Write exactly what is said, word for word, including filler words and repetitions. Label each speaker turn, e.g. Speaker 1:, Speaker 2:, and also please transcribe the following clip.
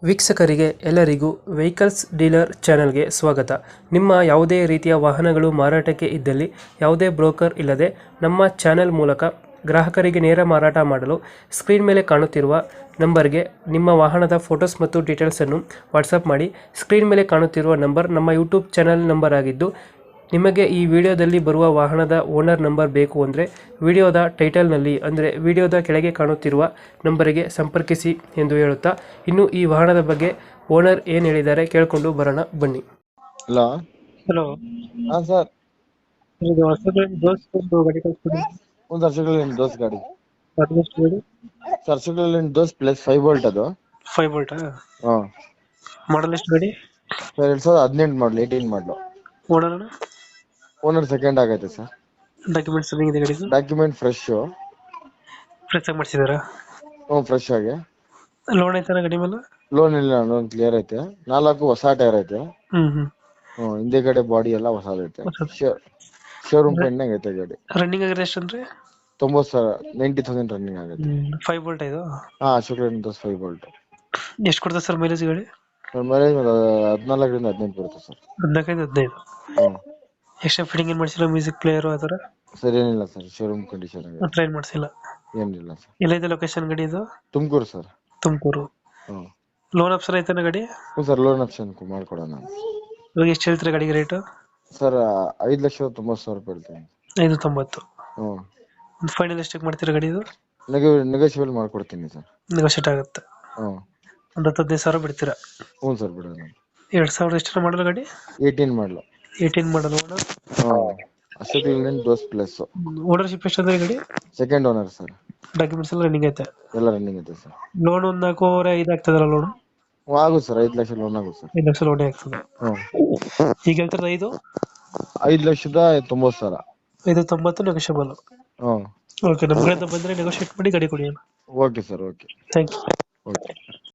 Speaker 1: ವೀಕ್ಷಕರಿಗೆ ಎಲ್ಲರಿಗೂ vehicles dealer ಚಾನೆಲ್ಗೆ ಸ್ವಾಗತ. ನಿಮ್ಮ ಯಾವುದೇ ರೀತಿಯ ವಾಹನಗಳು ಮಾರಾಟಕ್ಕೆ ಇದ್ದಲ್ಲಿ ಯಾವುದೇ ಬ್ರೋಕರ್ ಇಲ್ಲದೆ ನಮ್ಮ ಚಾನೆಲ್ ಮೂಲಕ ಗ್ರಾಹಕರಿಗೆ ನೇರ ಮಾರಾಟ ಮಾಡಲು ಸ್ಕ್ರೀನ್ ಮೇಲೆ ಕಾಣುತ್ತಿರುವ ನಂಬರ್ಗೆ ನಿಮ್ಮ ವಾಹನದ ಫೋಟೋಸ್ ಮತ್ತು ಡೀಟೇಲ್ಸನ್ನು ವಾಟ್ಸಪ್ ಮಾಡಿ. ಸ್ಕ್ರೀನ್ ಮೇಲೆ ಕಾಣುತ್ತಿರುವ ನಂಬರ್ ನಮ್ಮ ಯೂಟ್ಯೂಬ್ ಚಾನೆಲ್ ನಂಬರ್ ಆಗಿದ್ದು, ನಿಮಗೆ ಈ ವಿಡಿಯೋದಲ್ಲಿ ಬರುವ ವಾಹನದ ಓನರ್ ನಂಬರ್ ಬೇಕು ಅಂದರೆ ವಿಡಿಯೋದ ಟೈಟಲ್ನಲ್ಲಿ ಅಂದರೆ ವಿಡಿಯೋದ ಕೆಳಗೆ ಕಾಣುತ್ತಿರುವ ನಂಬರಿಗೆ ಸಂಪರ್ಕಿಸಿ ಎಂದು ಹೇಳುತ್ತಾ, ಇನ್ನು ಈ ವಾಹನದ ಬಗ್ಗೆ ಓನರ್ ಏನು ಹೇಳಿದ್ದಾರೆ ಕೇಳಿಕೊಂಡು ಬರೋಣ ಬನ್ನಿ.
Speaker 2: ಹಲೋ.
Speaker 1: ಹಲೋ,
Speaker 2: ಹಾ ಸರ್.
Speaker 1: ಇದು ಹೊಸದು ದೋಸ್ತ್ ಒಂದು ಗಾಡಿ ಕಳಿಸ್ಕೊಡಿ.
Speaker 2: ಒಂದು ಹರ್ಷಗಳಲ್ಲಿ ದೋಸ್ ಗಾಡಿ
Speaker 1: ಅದೆಷ್ಟು ಗಾಡಿ?
Speaker 2: ಸರ್ ಹರ್ಷಗಳಲ್ಲಿ ದೋಸ್ ಪ್ಲಸ್ ಫೈವ್ ವೋಲ್ಟ್ ಅದು.
Speaker 1: ಫೈವ್ ವೋಲ್ಟಾ?
Speaker 2: ಹಾ
Speaker 1: ಮಾಡಲ್ ಎಷ್ಟು ಗಾಡಿ?
Speaker 2: ಸರ್ ಎರಡ್ ಸಾವಿರದ ಹದಿನೆಂಟು model eighteen model.
Speaker 1: Owner
Speaker 2: owner second ಆಗೈತೆ ಸರ್.
Speaker 1: ಡಾಕ್ಯುಮೆಂಟ್ಸ್ ರನ್ನಿಂಗ್ ಇದೆ ಗಾಡಿದು?
Speaker 2: Document fresh.
Speaker 1: ಫ್ರೆಶ್ ಆಗಿ ಮಾಡಿಸಿದಾರಾ?
Speaker 2: ಹ್ಞೂ ಫ್ರೆಶ್ ಆಗಿ.
Speaker 1: ಲೋನ್ ಐತಾನ ಗಾಡಿ ಮೇಲೆ?
Speaker 2: ಲೋನ್ ಇಲ್ಲ, ಲೋನ್ ಕ್ಲಿಯರ್ ಐತೆ. ನಾಲ್ಕು ಹೊಸ ಟೈರ್ ಐತೆ.
Speaker 1: ಹ್ಮ್ ಹ್ಮ್
Speaker 2: ಹ್ಞೂ ಹಿಂದೆಗಡೆ ಬಾಡಿ ಎಲ್ಲ ಹೊಸದೈತೆ. ಶೋರೂಮ್ ಪೆಂಡ್ನಾಗ ಐತೆ ಗಾಡಿ.
Speaker 1: ರನ್ನಿಂಗ್ ಆಗಿದ್ರೆ ಎಷ್ಟು ಅಂದ್ರೆ?
Speaker 2: ತೊಂಬತ್ತು ಸಾವಿರ ನೈಂಟಿ ತೌಸಂಡ್ ರನ್ನಿಂಗ್ ಆಗೈತೆ.
Speaker 1: ಫೈವ್ ವೋಲ್ಟ್ ಇದು?
Speaker 2: ಹಾ ಶುಕ್ರನ್ ದೋಸ್ ಫೈವ್ ವೋಲ್ಟ್.
Speaker 1: ಎಷ್ಟು ಕೊಡ್ತದೆ ಸರ್ ಮೈಲೇಜ್ ಗಾಡಿ?
Speaker 2: ಮೈಲೇಜ್ ಹದಿನಾಲ್ಕರಿಂದ ಹದಿನೆಂಟು ಬರುತ್ತೆ ಸರ್.
Speaker 1: ಹದಿನಾಲ್ಕೈದು ಹದಿನೈದು.
Speaker 2: ಹ್ಞೂ
Speaker 1: ಎಕ್ಸ್ಟ್ರಾ ಫಿಟ್ಟಿಂಗ್ ಏನು ಮಾಡಿಸಿಲ್ಲ? ಮ್ಯೂಸಿಕ್ ಪ್ಲೇಯರು ಆ ಥರ
Speaker 2: ಸರ್ ಏನಿಲ್ಲ ಸರ್, ಶೋರೂಮ್ ಕಂಡೀಷನ್ ಆಗಿದೆ.
Speaker 1: ಟ್ರೈನ್ ಮಾಡಿಸಿಲ್ಲ?
Speaker 2: ಏನಿಲ್ಲ ಸರ್.
Speaker 1: ಎಲ್ಲೈತೆ ಲೊಕೇಶನ್ ಗಾಡಿ ಇದು?
Speaker 2: ತುಮಕೂರು ಸರ್.
Speaker 1: ತುಮಕೂರು.
Speaker 2: ಹ್ಞೂ
Speaker 1: ಲೋನ್ ಆಪ್ಷನ್ ಐತಾನ ಗಾಡಿ?
Speaker 2: ಹ್ಞೂ ಸರ್, ಲೋನ್ ಆಪ್ಷನ್ ಮಾಡ್ಕೊಡೋಣ.
Speaker 1: ಇವಾಗ ಎಷ್ಟು ಹೇಳ್ತೀರಾ ಗಾಡಿಗೆ ರೇಟು?
Speaker 2: ಸರ್ ಐದು ಲಕ್ಷದ ತೊಂಬತ್ತು ಸಾವಿರ ರೂಪಾಯಿ ಹೇಳ್ತೀನಿ.
Speaker 1: ಐದು ತೊಂಬತ್ತು.
Speaker 2: ಹ್ಞೂ
Speaker 1: ಒಂದು ಫೈನಲ್ ಎಷ್ಟಕ್ಕೆ ಮಾಡ್ತೀರಾ ಗಾಡಿ ಇದು?
Speaker 2: ನೆಗೆ ನೆಗೋಷಿಯಬಲ್ ಮಾಡ್ಕೊಡ್ತೀನಿ ಸರ್.
Speaker 1: ನೆಗೋಷಿಯೇಟ್ ಆಗುತ್ತೆ.
Speaker 2: ಹ್ಞೂ
Speaker 1: ಒಂದು ಹತ್ತು ಹದಿನೈದು ಸಾವಿರ ಬಿಡ್ತೀರಾ?
Speaker 2: ಹ್ಞೂ ಸರ್ ಬಿಡೋಣ.
Speaker 1: ಎರಡು ಸಾವಿರದ ಎಷ್ಟರ ಮಾಡಲ್ಲ ಗಾಡಿ?
Speaker 2: Eighteen model.
Speaker 1: Eighteen model. Owner?
Speaker 2: ಹ್ಞೂ ಅಶೋಕ್ ದೋಸ್ ಪ್ಲಸ್.
Speaker 1: ಓನರ್ಶಿಪ್ ಎಷ್ಟು ಅಂದ್ರೆ ಗಾಡಿ?
Speaker 2: Second owner sir.
Speaker 1: ಡಾಕ್ಯುಮೆಂಟ್ಸ್ ಎಲ್ಲ ರನ್ನಿಂಗ್ ಐತೆ?
Speaker 2: ಎಲ್ಲ ರನ್ನಿಂಗ್ ಐತೆ ಸರ್.
Speaker 1: ಲೋನ್ ಒಂದು ನಾಲ್ಕೂವರೆ ಐದು ಆಗ್ತದಲ್ಲ ಲೋನ್?
Speaker 2: ಹ್ಞೂ ಆಗುತ್ತೆ ಸರ್, ಐದು ಲಕ್ಷ ಲೋನ್ ಆಗುತ್ತೆ ಸರ್.
Speaker 1: ಐದು ಲಕ್ಷ ಲೋನೇ ಆಗ್ತದೆ.
Speaker 2: ಹ್ಞೂ
Speaker 1: ಈಗ ಹೇಳ್ತಾರೆ ಐದು
Speaker 2: ಐದು ಲಕ್ಷದ ತೊಂಬತ್ತು ಸಾವಿರ.
Speaker 1: ಐದು ತೊಂಬತ್ತು ನೆಗೋಷಿಯಬಲ್.
Speaker 2: ಹ್ಞೂ
Speaker 1: ಓಕೆ, ನಮ್ಮ ಕಡೆಯಿಂದ ಬಂದರೆ ನೆಗೋಷಿಯೇಟ್ ಮಾಡಿ ಗಾಡಿ ಕೊಡಿ.
Speaker 2: Okay sir, okay.
Speaker 1: Thank you.
Speaker 2: Okay.